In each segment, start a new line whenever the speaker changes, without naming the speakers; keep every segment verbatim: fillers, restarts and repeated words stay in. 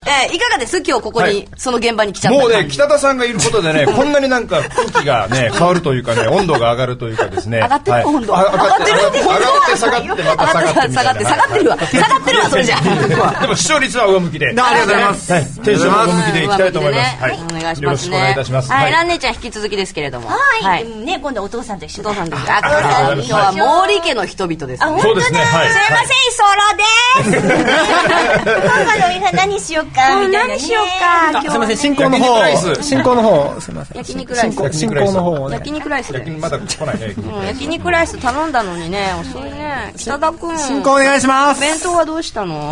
えー、いかがです今日ここに、はい、その現場に来ちゃった
もうね、北田さんがいることでね、こんなになんか空気がね、変わるというかね、温度が上がるというかですね。
上がってる、はい、温度。
上がってる、上がって下がってまた下がってみたいな。
下がって、下がってるわ。下がってるわ、それじゃ。
でも視聴率は上向きで。
ありがとうございます。
はい、テンション上向きでいきたいと思います。はい。
お願いしますね。
よろしくお願いいたします。
はい、ラン姉ちゃん引き続きですけれども。
はい。ね、今度お父さんと一緒。
お父さんと一緒。今日は毛利家の人々です。
そうですね。はい。
すいません、ソロです。今度の皆さん何しようかみたいな。何しようか。
すみません、進行の方。進行の方、すみません。
焼肉ライス。
進行の方。
焼肉ライス。
まだ来ないね。
焼肉ライス頼んだのにね、遅いね。北田くん。
進行お願いします。
弁当はどうしたの？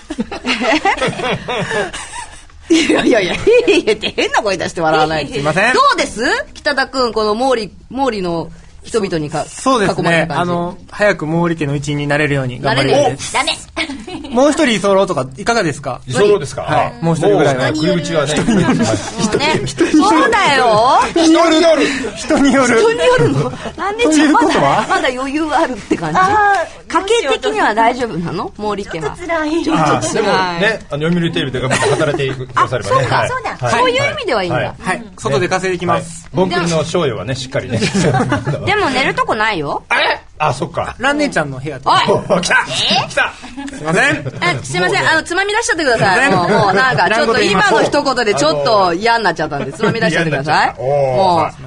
いやいやいや、へへへって変な声出して笑わない。
すいません。
どうです北田くん、この毛利、毛利の人々にか
そうですね。あの、早く毛利家の一員になれるように頑張ります。
ダメ。
もう一人居候とかいかがですか？
居候ですか？
はい。もう一人ぐらいは。
食い口はね。
そうだよ。
人による。
人による。
人によるの。なんでちょっとまだまだ余裕あるって感じ？家計的には大丈夫なの？毛利家は。
ちょっと辛い。
ちょっと辛い。
でもね、あの読売テレビで頑張って働いてくださればね。
そうか、そうだ。
そういう意味ではいいんだ。
はい。外で稼いできます。
ボンクリの賞与はね、しっかりね。
でも寝るとこないよ。
あれ？あ、そっか。
ラン姉ちゃんの部屋で。
おい！
来た！来た！
すいません。
え、すいません。あの、つまみ出しちゃってください。もう、もうなんか、ちょっと今の一言でちょっと嫌になっちゃったんで、つまみ出しちゃってください。もう、